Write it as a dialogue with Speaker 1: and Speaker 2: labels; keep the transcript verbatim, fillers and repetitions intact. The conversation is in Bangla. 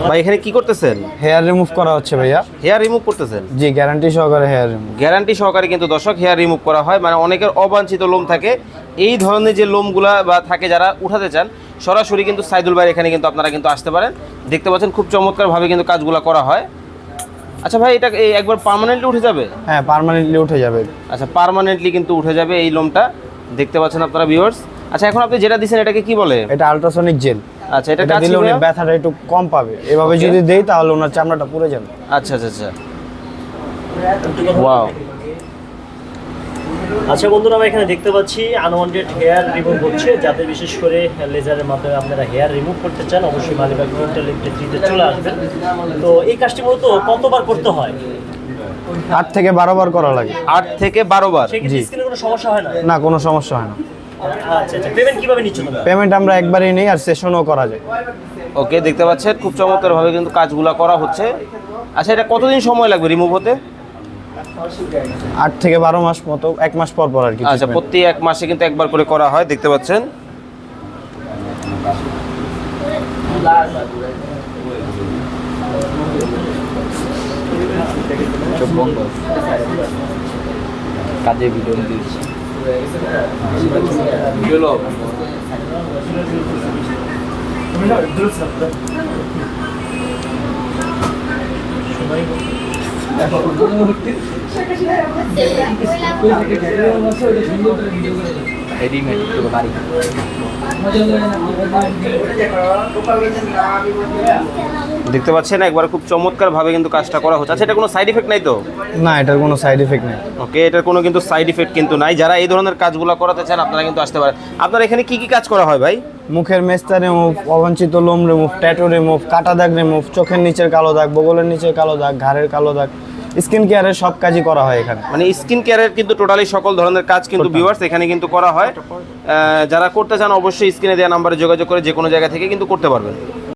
Speaker 1: ভাই এখানে কি করতেছেন?
Speaker 2: হেয়ার রিমুভ করা হচ্ছে ভাইয়া।
Speaker 1: হেয়ার রিমুভ করতেছেন?
Speaker 2: জি, গ্যারান্টি সহকারে হেয়ার রিমুভ।
Speaker 1: গ্যারান্টি সহকারে কিন্তু দর্শক হেয়ার রিমুভ করা হয়, মানে অনেকের অবাঞ্ছিত লোম থাকে, এই ধরনের যে লোমগুলা বা থাকে যারা উঠাতে চান সরাসরি কিন্তু সাইদুল ভাই এখানে কিন্তু আপনারা কিন্তু আসতে পারেন। দেখতে পাচ্ছেন খুব চমৎকারভাবে কিন্তু কাজগুলো করা হয়। আচ্ছা ভাই, এটা এই একবার পার্মানেন্টলি উঠে যাবে?
Speaker 2: হ্যাঁ, পার্মানেন্টলি উঠে যাবে।
Speaker 1: আচ্ছা, পার্মানেন্টলি কিন্তু উঠে যাবে এই লোমটা, দেখতে পাচ্ছেন আপনারা ভিউয়ার্স। আচ্ছা, এখন আপনি যেটা দিচ্ছেন এটাকে কি বলে?
Speaker 2: এটা আলট্রাসনিক জেল।
Speaker 1: আচ্ছা, এটা
Speaker 2: এটা
Speaker 1: কাজ
Speaker 2: দিলে
Speaker 1: কি
Speaker 2: উনি
Speaker 1: ভাইয়া?
Speaker 2: ব্যথাটা একটু কম পাবে। এভাবে
Speaker 1: Okay.
Speaker 2: যদি দেই তাহলে ওনার চামড়াটা পুড়ে যাবে।
Speaker 1: আচ্ছা আচ্ছা আচ্ছা, ওয়াও।
Speaker 3: আচ্ছা বন্ধুরা, আমরা এখানে দেখতে পাচ্ছি আনওয়ান্টেড হেয়ার রিমুভ হচ্ছে। যাতে বিশেষ করে লেজারের মাধ্যমে আপনারা হেয়ার রিমুভ করতে চান, অবশ্যই মালিবাগ ডিজিটাল ইলেকট্রিতে চলে আসবেন। তো এই কাজটি মূলত কতবার করতে হয়?
Speaker 2: আট থেকে বারো বার করা লাগে।
Speaker 1: আট থেকে বারো বার?
Speaker 3: সেক্ষেত্রে স্কিনে কোনো সমস্যা হয় না?
Speaker 2: না, কোনো সমস্যা হয় না।
Speaker 3: আচ্ছা আচ্ছা, পেমেন্ট কিভাবে নিচ্ছ তোমরা?
Speaker 2: পেমেন্ট আমরা একবারই নেই, আর সেশনও করা যায়।
Speaker 1: ওকে, দেখতে পাচ্ছেন খুব চমৎকারভাবে কিন্তু কাজগুলো করা হচ্ছে। আচ্ছা, এটা কতদিন সময় লাগবে রিমুভ হতে?
Speaker 2: আট থেকে বারো মাস মতো, এক মাস পর পর আর কি।
Speaker 1: আচ্ছা, প্রতি এক মাসে কিন্তু একবার করে করা হয়, দেখতে পাচ্ছেন।
Speaker 4: কাজে ভিডিও দিচ্ছি
Speaker 1: দেখতে পাচ্ছেন একবার খুব চমৎকারভাবে কিন্তু কাজটা করা হচ্ছে। আচ্ছা, এটা কোনো সাইড ইফেক্ট নাই তো?
Speaker 2: না, এটার কোনো সাইড এফেক্ট নেই।
Speaker 1: ওকে, এটার কোনো কিন্তু সাইড ইফেক্ট কিন্তু নাই। যারা এই ধরনের কাজগুলো করাতে চান আপনারা কিন্তু আসতে পারেন। আপনার এখানে কি কি কাজ করা হয় ভাই?
Speaker 2: মুখের মেস্তা রিমুভ, অবাঞ্ছিত লোম রিমুভ, ট্যাটু রিমুভ, কাটা দাগ রিমুভ, চোখের নিচের কালো দাগ, বগলের নিচের কালো দাগ, ঘাড়ের কালো দাগ, স্কিন কেয়ারের সব কাজই করা হয় এখানে।
Speaker 1: মানে স্কিন কেয়ারের কিন্তু টোটালি সকল ধরনের কাজ কিন্তু ভিউয়ার্স এখানে কিন্তু করা হয়। আহ, যারা করতে চান অবশ্যই স্ক্রিনে দেওয়া নাম্বারে যোগাযোগ করে যে কোনো জায়গা থেকে কিন্তু করতে পারবেন।